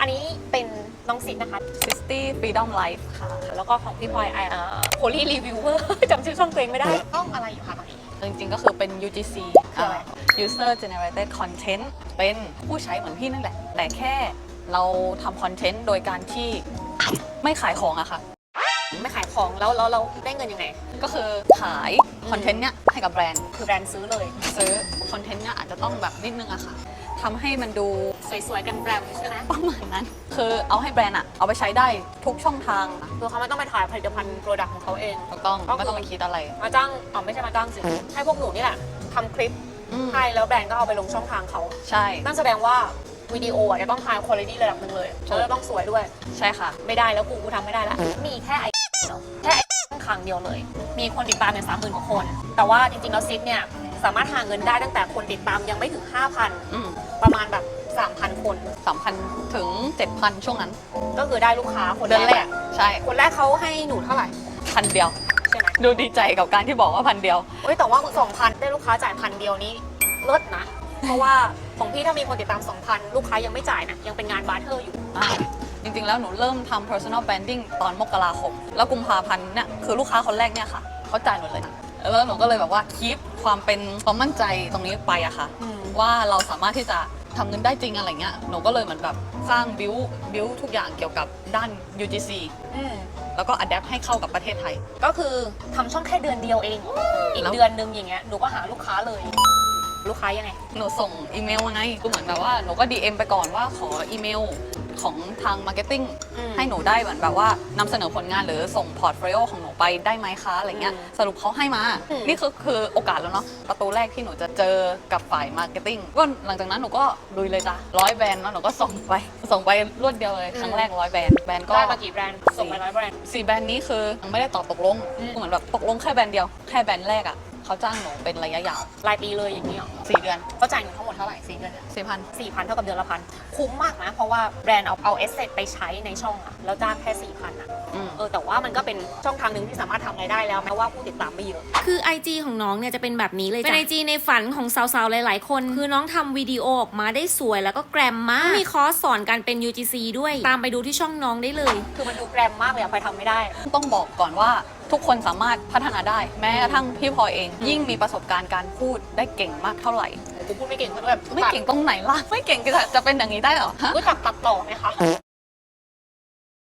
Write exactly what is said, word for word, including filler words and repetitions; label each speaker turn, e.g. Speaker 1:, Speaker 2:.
Speaker 1: อันนี้เป็นน้องซิดนะคะ
Speaker 2: ซิตี้ Freedom Life ค่ะ
Speaker 1: แล้วก็ของพี่พลอยไอเอ่อโพลีรีวิวเวอร์จำชื่อช่องตัวเองไม่ได้ช่องอะไรอยู่คะตอนนี้
Speaker 2: จริงๆก็คือเป็น ยู จี ซี
Speaker 1: คืออะไร
Speaker 2: User Generated Content เป็นผู้ใช้เหมือนพี่นั่นแหละ แต่แค่เราทำคอนเทนต์โดยการที่ไม่ขายของอะค่ะ
Speaker 1: ไม่ขายของแล้วแล้วเราได้เงินยังไง
Speaker 2: ก็คือขายคอนเทนต์เนี้ยให้กับแบรนด์
Speaker 1: คือแบรนด์ซื้อเลย
Speaker 2: ซื้อคอนเทนต์เนี้ยอาจจะต้องแบบนิดนึงอะค่ะทำให้มันดู
Speaker 1: สวยๆกันแบรนด์ใช่ไหม
Speaker 2: ประมาณนั้น คือเอาให้แบรนด์อะเอาไปใช้ได้ทุกช่องทาง
Speaker 1: คือเขาไม่ต้องไปถ่ายผลิตภัณฑ์โปรดักต์ของเขาเอง
Speaker 2: ถูกต้อง
Speaker 1: ก็คือ
Speaker 2: ไม่ต้องไปคิดอะไร
Speaker 1: มาจ้างอ๋อไม่ใช่มาจ้างสิให้พวกหนูนี่แหละทำคลิป
Speaker 2: อืม
Speaker 1: ให้แล้วแบรนด์ก็เอาไปลงช่องทางเขา
Speaker 2: ใช่
Speaker 1: นั่นแสดงว่าวิดีโออ่ะจะต้อง high quality ระดับหนึ่งเลยแล้วจะต้องสวยด้วย
Speaker 2: ใช่ค่ะ
Speaker 1: ไม่ได้แล้วกูกูทำไม่ได้ละมีแค่ไอเดียวแค่ไอครั้งเดียวเลย มีคนติดตามเนี่ยสามหมื่นกว่าคน แต่ว่าจริงๆแล้วซิดเนี่ยสามารถหาเงินได้ตั้งแต่คนติดตามยังไม่ถึง ห้าพัน
Speaker 2: อืม
Speaker 1: ประมาณแบบ สามพัน คน
Speaker 2: สามพันถึงเจ็ดพันช่วงนั้น
Speaker 1: ก็คือได้ลูกค้าคน
Speaker 2: เดือน
Speaker 1: แร
Speaker 2: แร
Speaker 1: ก
Speaker 2: ก ใช่
Speaker 1: คนแรกเขาให้หนูเท่าไหร่
Speaker 2: พันเดียว
Speaker 1: ใช่ไหม
Speaker 2: ดูดีใจกับการที่บอกว่าพันเดียว
Speaker 1: เอ้ยแต่ว่าสองพันได้ลูกค้าจ่ายพันเดียวนี้เลิศนะ เพราะว่าของพี่ถ้ามีคนติดตาม สองพัน ลูกค้ายังไม่จ่ายนะยังเป็นงานบาร์เทอร์อยู่
Speaker 2: อ่าจริงๆ แล้วหนูเริ่มทำ personal branding ตอนมกราคม แล้วกุมภาพันธ์เนี่ยคือลูกค้าคนแรกเนี่ยค่ะเขาจ่ายหนูเลย แล้วหนูก็เลยแบบว่าคีปความเป็นความมั่นใจตรงนี้ไปอะค่ะ
Speaker 1: อืม
Speaker 2: ว่าเราสามารถที่จะทำเงินได้จริงอะไรเงี้ย หนูก็เลยเหมือนแบบสร้างบิวบิวทุกอย่างเกี่ยวกับด้าน ยู จี ซี
Speaker 1: อืม
Speaker 2: แล้วก็ adapt ให้เข้ากับประเทศไทย
Speaker 1: ก็คือทำช่องแค่เดือนเดียวเอง อีก
Speaker 2: แล้ว
Speaker 1: เดือนนึงอย่างเงี้ยหนูก็หาลูกค้าเลย ลูกค้ายังไง
Speaker 2: หนูส่งอีเมลมาไงก็เหมือนแบบว่าหนูก็ ดี เอ็ม ไปก่อนว่าขออีเมลของทางมาร์เก็ตติ้ง
Speaker 1: อืม
Speaker 2: ให้หนูได้เหมือนแบบว่านำเสนอผลงานหรือส่งพอร์ตโฟลิโอของหนูไปได้ไหมคะอะไรเงี้ย
Speaker 1: อืม
Speaker 2: สรุปเขาให้มา
Speaker 1: อืม
Speaker 2: นี่คือคือโอกาสแล้วเนาะประตูแรกที่หนูจะเจอกับฝ่ายมาร์เก็ตติ้งก็หลังจากนั้นหนูก็ลุยเลยจ้ะร้อยแบรนด์แล้วหนูก็ส่งไปส่งไปรวดเดียวเลยครั้งแรกร้อยแบรนด์แบรนด์ก็
Speaker 1: ได้มากี่แบรนด์ ส่งไปร้อยแบรนด์
Speaker 2: สี่แบรนด์นี้คือยังไม่ได้ตอบตกลง
Speaker 1: อืม
Speaker 2: เหมือนแบบตกลงแค่แบรนด์เดียวแค่แบรนด์แรกอ่ะเขาจ้างหนูเป็นระยะยาว
Speaker 1: รายปีเลยอย่างนี้หรอ
Speaker 2: สี่เดือน
Speaker 1: เขาจ่ายเงินทั้งหมดเท่าไหร่สี่เดือน
Speaker 2: สี่พัน
Speaker 1: สี่พันเท่ากับเดือนละพันคุ้มมากนะ เพราะว่าแบรนด์เอาเอาเอสเซไปใช้ในช่องอะแล้วจ้างแค่สี่พันอะ
Speaker 2: อืม
Speaker 1: เออแต่ว่ามันก็เป็นช่องทางหนึ่งที่สามารถทำรายได้แล้วแม้ว่าผู้ติดตามไม่เยอะ
Speaker 3: คือ ไอ จี ของน้องเนี่ยจะเป็นแบบนี้เลยจ้ะเป็น ไอ จี ในฝันของสาวๆ หลายๆ คน คือน้องทำวิดีโอออกมาได้สวยแล้วก็แกรมมาก มีคอร์สสอนการเป็น ยู จี ซี ด้วย ตามไปดูที่ช่องน้องได้เลย
Speaker 1: คือมันดูแกรมมากเลยอะพลอยทำไม่ได้
Speaker 2: ต้องบอกก่อนว่าทุกคนสามารถพัฒนาได้ แม้กระทั่งพี่พลอยเอง ยิ่งมีประสบการณ์การพูดได้เก่งมากเท่าไหร่
Speaker 1: กูพูดไม่เก่งก็แบบ
Speaker 2: ไม่เก่งตรงไหนล่ะ ไม่เก่งจะจะเป็นอย่างนี้ได้เหรอฮะ
Speaker 1: รู้จักตัดต่อไหมคะ